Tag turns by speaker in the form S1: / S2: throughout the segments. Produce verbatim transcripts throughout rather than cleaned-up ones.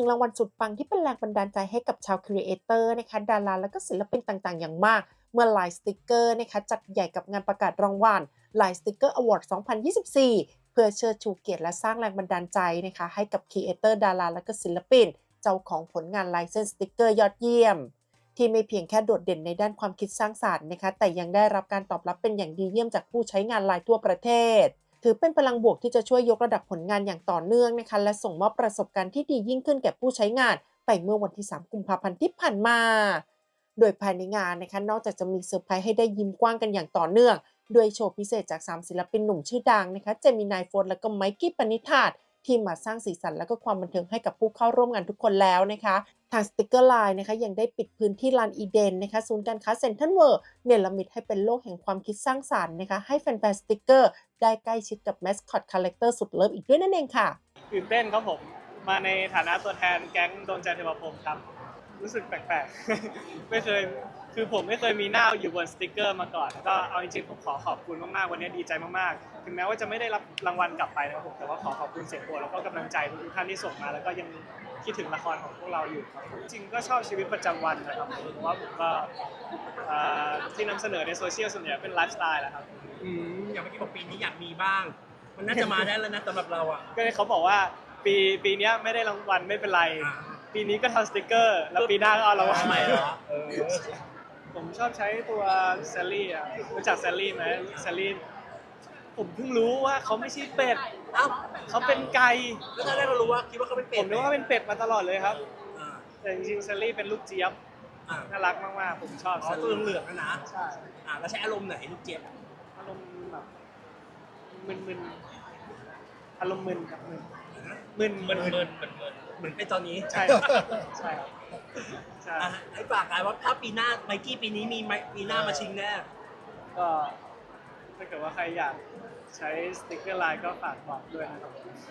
S1: งรางวัลสุดปังที่เป็นแรงบันดาลใจให้กับชาวครีเอเตอร์นะคะดาราและก็ศิลปินต่างๆอย่างมากเมื่อ Line Sticker นะคะจัดใหญ่กับงานประกาศรางวัล Line Sticker Award สองพันยี่สิบสี่ เพื่อเชิดชูเกียรติและสร้างแรงบันดาลใจนะคะให้กับครีเอเตอร์ดาราและก็ศิลปินเจ้าของผลงานลายเส้นสติกเกอร์ยอดเยี่ยมที่ไม่เพียงแค่โดดเด่นในด้านความคิดสร้างสรรค์นะคะแต่ยังได้รับการตอบรับเป็นอย่างดีเยี่ยมจากผู้ใช้งานไลน์ทั่วประเทศถือเป็นพลังบวกที่จะช่วยยกระดับผลงานอย่างต่อเนื่องนะคะและส่งมอบประสบการณ์ที่ดียิ่งขึ้นแก่ผู้ใช้งานไปเมื่อวันที่สามกุมภาพันธ์ที่ผ่านมาโดยภายในงานนะคะนอกจากจะมีเซอร์ไพรส์ให้ได้ยิ้มกว้างกันอย่างต่อเนื่องด้วยโชว์พิเศษจากสามศิลปินหนุ่มชื่อดังนะคะเจมินายโฟร์และก็ไมกี้ปณิธาตที่มาสร้างสีสันและก็ความบันเทิงให้กับผู้เข้าร่วมงานทุกคนแล้วนะคะทางสติกเกอร์ไลน์นะคะยังได้ปิดพื้นที่ลานอีเดนนะคะศูนย์การค้าเซ็นทรัลเวิลด์เนรมิตให้เป็นโลกแห่งความคิดสร้างสรรค์นะคะให้แฟนๆสติกเกอร์ได้ใกล้ชิดกับแมสคอตคาแรคเตอร์สุดเลิฟอีกด้วยนั่นเองค่ะ
S2: ตื่นเต้นครับผมมาในฐานะตัวแทนแก๊งดวงใจเทวพรหมครับรู้สึกแปลกๆ ไม่เคยคือผมไม่เคยมีหน้าอยู่บนสติกเกอร์มาก่อนก็เอาจริงๆผมขอขอบคุณมากๆวันนี้ดีใจมากๆถึงแม้ว่าจะไม่ได้รับรางวัลกลับไปนะครับผมแต่ว่าขอขอบคุณเสียงโหวตแล้วก็กำลังใจทุกท่านที่ส่งมาแล้วก็ยังคิดถึงละครของพวกเราอยู่ครับจริงๆก็ชอบชีวิตประจำวันนะครับเพราะว่าผมก็ที่นำเสนอในโซเชียลส่วนใหญ่เป็นไลฟ์สไตล์แหละครับ
S3: อืมอย่างเมื่อกี้บอกปีนี้อยากมีบ้างมันน่าจะมาได้แล้วนะสำหรับเราอ่ะ
S2: ก็เขาบอกว่าปีปีนี้ไม่ได้รางวัลไม่เป็นไรปีนี้ก็ทำสติกเกอร์แล้วปีหน้าก็เอารางวัล
S3: ใหม่เหรอ
S2: ผมชอบใช้ตัวแซลลี่อ่ะรู้จักแซลลี่ไหมแซลลี่ผมเพิ่งรู้ว่าเขาไม่ใช่เป็ด
S3: เอ้า
S2: เขาเป็นไก่
S3: แล้วตอนแรกเรารู้ว่าคิดว่าเขาเป็นเป็ด
S2: ผมนึกว่าเป็นเป็ดมาตลอดเลยครับแต่จริงๆแซลลี่เป็นลูกเจี๊ยบน่ารักมากๆผมชอบ
S3: อ๋อตัวเหลืองๆนะ
S2: ใช่
S3: อ่าแล้วใช้อารมณ์ไหนลูกเจี๊ยบ
S2: อารมณ์แบบมึนๆอารมณ์มึนครับมึนมึน
S3: มึนมึนเหมือนเหมือนเป็นตอนนี้
S2: ใช่ใช่ใช่
S3: ไอ้ฝากกันว่าถ้าปีหน้าไมกี้ปีนี้มีปีหน้ามาชิงแน่
S2: ก็ถ้าเกิดว่าใครอยากใช้สติ๊กเกอร์ไลน์ก็ฝากบอกด้วยนะครับ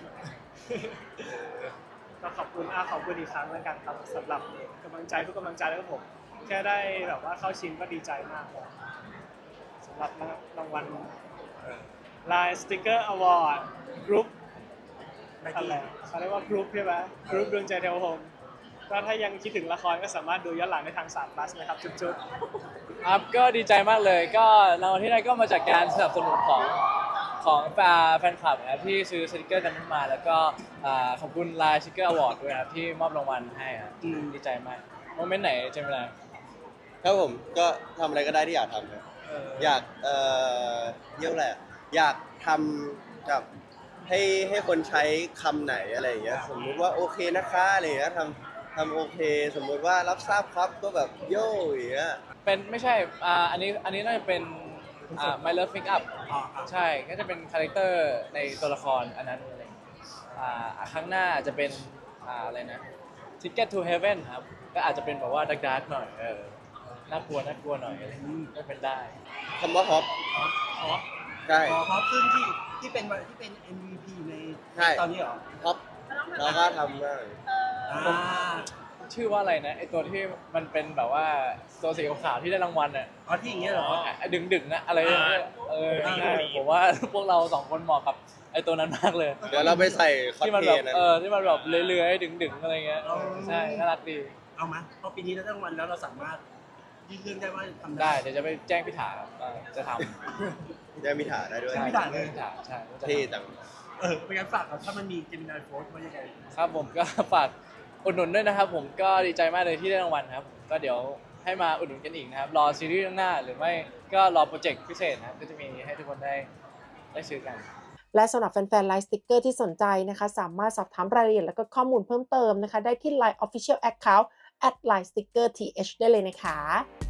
S2: ก็ขอบคุณอาขอบคุณอีกครั้งแล้วกันครับสำหรับกำลังใจทุกกำลังใจแล้วก็ผมแค่ได้แบบว่าเข้าชิงก็ดีใจมากเลยสำหรับรางวัลไลน์สติ๊กเกอร์อวอร์ดกรุ๊ปอะไรเขาเรียกว่ากรุ๊ปใช่ไหมกรุ๊ปดวงใจเทวพรหมก็ถ้ายังคิดถึงละครก็สามารถดูย้อนหลังในทางสาม plus นะครับจุด
S4: ๆครับก็ดีใจมากเลยก็รางวัลที่ได้ก็มาจากการสนับสนุนของของแฟนคลับนะครับที่ซื้อสติกเกอร์กันมาแล้วก็ขอบคุณไลน์สติกเกอร์อวอร์ดด้วยครับที่มอบรางวัลให้ครับดีใจมากโมเมนต์ไหนเจมินาย
S5: ครับผมก็ทำอะไรก็ได้ที่อยากทำครับอยากเอ่อเยอะแหละอยากทำกับให้ให้คนใช้คำไหนอะไรอย่างเงี้ยสมมุติว่าโอเคนะคะอะไรอย่างเงี้ยทำทำโอเคสมมุติว่ารับทราบครับก็แบบโย่อย่างเงี้ย
S4: เป็นไม่ใช่อ่าอันนี้อันนี้น่าจะเป็นอ่า My Love Make Up ใช่ก็จะเป็นคาแรคเตอร์ในตัวละครอันนั้นอะไรอ่าครั้งหน้าจะเป็นอ่าอะไรนะ Ticket to Heaven ครับก็อาจจะเป็นแบบว่าดาร์กๆหน่อยเออน่ากลัวน่ากลัวหน่อยอะไรก็เป็นได้
S5: คำว่าฮอป
S3: ฮอป
S5: ใช่
S3: ฮอปซึ่งที่ที่เป็นที่เป็น เอ็ม วี พี ในตอนนี้เหรอ
S5: ฮอปแล้วก็ทำได้
S4: ชื่อว่าอะไรนะไอตัวที่มันเป็นแบบว่าตัวสีขาวที่ได้รางวัลอ่ะ
S3: อ๋อที่อย่างเงี้ยเหรอ
S4: ดึงดึงนะอะไรเออผมว่าพวกเราสองคนเหมาะกับไอตัวนั้นมากเลย
S5: เดี๋ยวเราไปใส่คอสเพลย์
S4: นะเออที่มันแบบเลื้อยๆดึงๆอะไรเงี้ยใช่น่ารักดี
S3: เอามาพอปีนี้ได้รางวัลแล้วเราสามารถยื่นเรื่องได้ว่าทำ
S4: ได้เดี๋ยวจะไปแจ้งพี่ถาจะท
S5: ำจะมีถาได้ด้วย
S3: พี่ถาเลย
S4: ใช่
S5: เท่จัง
S3: เออเป็นการฝากถ้ามันมีเจมินายโฟร์ว่ายังไง
S4: ครับผมก็ฝากอุดหนุนด้วยนะครับผมก็ดีใจมากเลยที่ได้รางวัลครับก็เดี๋ยวให้มาอุดหนุนกันอีกนะครับรอซีรีส์เรื่องหน้าหรือไม่ก็รอโปรเจกต์พิเศษนะครับก็จะมีให้ทุกคนได้ได้ซื้อกัน
S1: และสำหรับแฟนๆไลน์สติ๊กเกอร์ที่สนใจนะคะสามารถสอบถามรายละเอียดและก็ข้อมูลเพิ่มเติมนะคะได้ที่ ไลน์ Official Account แอท ไลน์ สติ๊กเกอร์ ที เอช ได้เลยนะคะ